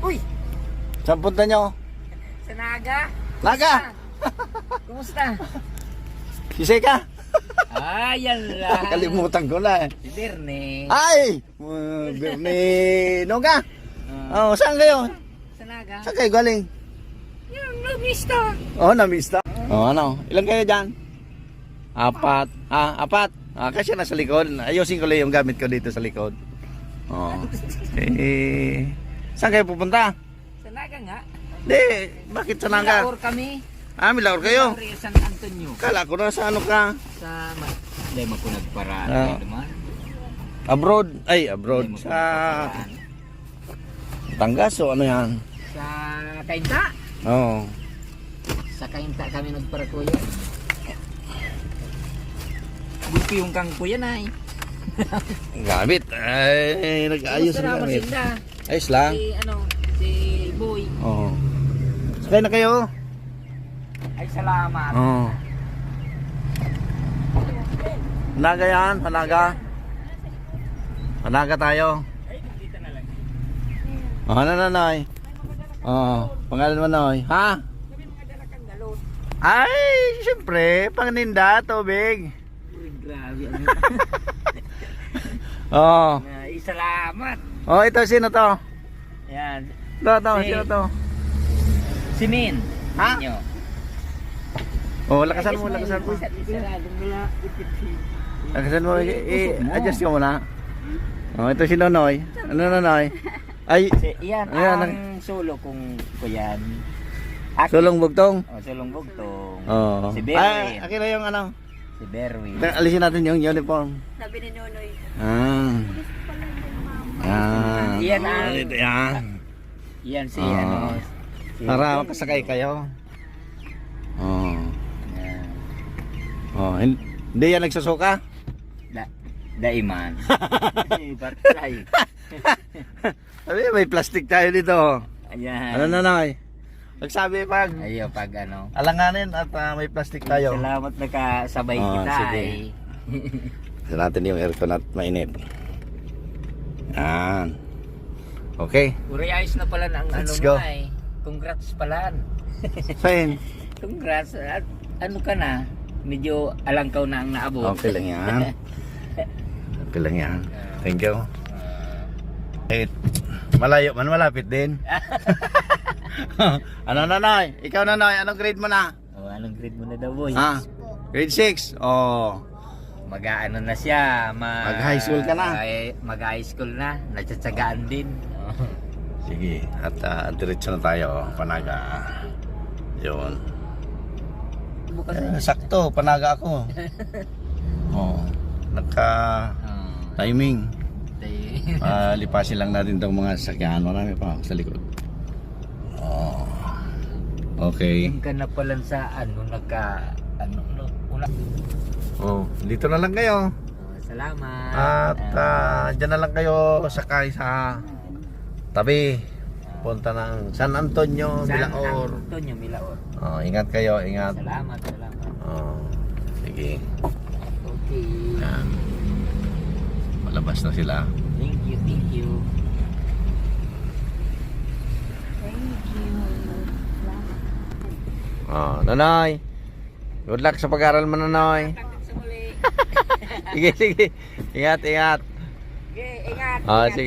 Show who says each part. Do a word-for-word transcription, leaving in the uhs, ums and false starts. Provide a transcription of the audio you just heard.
Speaker 1: Uy!
Speaker 2: Saan punta nyo?
Speaker 1: Sa Naga?
Speaker 2: Naga!
Speaker 1: Kumusta?
Speaker 2: Si Seka?
Speaker 1: Ah, yan lang.
Speaker 2: Kalimutan ko na eh.
Speaker 1: Si Berne.
Speaker 2: Ay! Uh, Birne Noga!
Speaker 1: Ah,
Speaker 2: Oh, saan kayo?
Speaker 1: sa Naga?
Speaker 2: Saan kayo galing?
Speaker 1: Yung lumista.
Speaker 2: Oh, namista. Oh, ano? Ilan kayo dyan? Apat. Ah, apat. Ah, kasi nasa likod. Ayusin ko lang yung gamit ko dito sa likod. Oh. Eh, saan kayo pupunta?
Speaker 1: Sa Naga nga.
Speaker 2: Di, bakit sa Naga?
Speaker 1: Milaor kami.
Speaker 2: Ah, Milaor kayo?
Speaker 1: Milaor, San Antonio.
Speaker 2: Kala ko na sa ano ka?
Speaker 1: Sa... ma- Hindi mo po nagparaan.
Speaker 2: Ah.
Speaker 1: Kayo naman.
Speaker 2: Abroad. Ay, abroad.
Speaker 1: Hindi mo po
Speaker 2: Sa
Speaker 1: nagparaan.
Speaker 2: Tangas o ano yan?
Speaker 1: Sa Kainta.
Speaker 2: Oo. Oh.
Speaker 1: Sa Kainta kami nagpara kuya. Buti yung kang kuya na eh.
Speaker 2: Gamit. Ay, nag-ayos
Speaker 1: Kumusta
Speaker 2: na
Speaker 1: naman
Speaker 2: gamit.
Speaker 1: sila?
Speaker 2: Ayos lang.
Speaker 1: Si ano, si Boy.
Speaker 2: Oo. Sakay na kayo?
Speaker 1: Ay salamat.
Speaker 2: Oo. Hanaga yan, hanaga. Hanaga tayo.
Speaker 1: Ay, dito na lang.
Speaker 2: Oh, ano na, Noy? Oo. Pangalan mo, Noy? Ha?
Speaker 1: Sabi mga dala kang galon.
Speaker 2: Ay, siyempre, pangninda, tubig.
Speaker 1: Uy, grabe. Ano?
Speaker 2: Oo.
Speaker 1: Ay, salamat.
Speaker 2: Oh, ito, sino to?
Speaker 1: Yan.
Speaker 2: Ito, to,
Speaker 1: Si-
Speaker 2: sino to?
Speaker 1: Si Min.
Speaker 2: Ha?
Speaker 1: Ninyo.
Speaker 2: Oh, lakasan mo, lakasan mo. Lakasan mo, i-adjust ka muna. Oh, ito si Nonoy. Ano, Nonoy? Ay,
Speaker 1: Si, yan
Speaker 2: Ayan,
Speaker 1: ang sulo kung kuyan. Aki.
Speaker 2: sulong bugtong.
Speaker 1: Oh, sulong bugtong.
Speaker 2: Oo.
Speaker 1: Si
Speaker 2: Ay,
Speaker 1: Berwin.
Speaker 2: akin na yung ano.
Speaker 1: Si Berwin.
Speaker 2: Alisin natin yung uniform.
Speaker 3: Sabi ni Nonoy.
Speaker 2: Ah. Ah.
Speaker 1: Yan ang-
Speaker 2: Ito yan.
Speaker 1: Yan si
Speaker 2: Ah.
Speaker 1: ano. Si
Speaker 2: Para makasakay kayo. Oh.
Speaker 1: Yan.
Speaker 2: Oh, hin- hindi yan nagsusuka?
Speaker 1: Da, daiman. Bartay.
Speaker 2: Sabi, may plastic tayo dito.
Speaker 1: Ayan.
Speaker 2: Ano na, Noy? Nagsabi pag
Speaker 1: Ayo pag ano.
Speaker 2: alanganin at ah, may plastic tayo.
Speaker 1: Salamat nakasabay
Speaker 2: Ah,
Speaker 1: kita.
Speaker 2: sige.
Speaker 1: Eh.
Speaker 2: Sa natin yung aircon at mainit. Yan. Okay.
Speaker 1: Uri ayos na pala ng ano
Speaker 2: Let's
Speaker 1: mo
Speaker 2: go.
Speaker 1: ay. Congrats pala.
Speaker 2: Fine.
Speaker 1: Congrats. At ano ka na? Medyo alangkaw na ang naabot.
Speaker 2: Okay lang yan. Okay lang yan. Thank you. Eh, malayo man, malapit din. Ano, Nonoy? Ikaw, Nonoy, anong grade mo na?
Speaker 1: Oh, anong grade mo na daw, boy?
Speaker 2: Ha? Grade six? Oh.
Speaker 1: Mag-ano na siya, ma
Speaker 2: Mag-high school ka na?
Speaker 1: Ay, mag-high school na, natsatsagaan din.
Speaker 2: Sige, at uh, diretso na tayo, Panaga. Yun.
Speaker 1: Bukas
Speaker 2: Eh, sakto, Panaga ako. Oh, nagka
Speaker 1: Oh,
Speaker 2: timing.
Speaker 1: day.
Speaker 2: Uh, lipasin lang natin itong mga sasakyan. Marami pa sa likod. Oh. Okay.
Speaker 1: Yung ka na pala sa ano, nagka, ano, no, una.
Speaker 2: Oh, dito na lang kayo.
Speaker 1: Oh, salamat.
Speaker 2: At uh, dyan na lang kayo sakay sa tabi. Punta ng San Antonio,
Speaker 1: San
Speaker 2: Milaor.
Speaker 1: Antonio, Milaor.
Speaker 2: Oh, ingat kayo, ingat.
Speaker 1: Salamat, salamat.
Speaker 2: Oh, sige.
Speaker 1: Okay.
Speaker 2: Yan. Malabas na sila.
Speaker 1: Thank you, thank you.
Speaker 3: Thank you.
Speaker 2: Oh, Nonoy. Good luck sa pag-aaral mo, Nonoy.
Speaker 1: Hanggang sa muli.
Speaker 2: Sige, sige. Ingat, ingat.
Speaker 1: Okay, ingat.
Speaker 2: Oh,
Speaker 1: ingat.
Speaker 2: sige.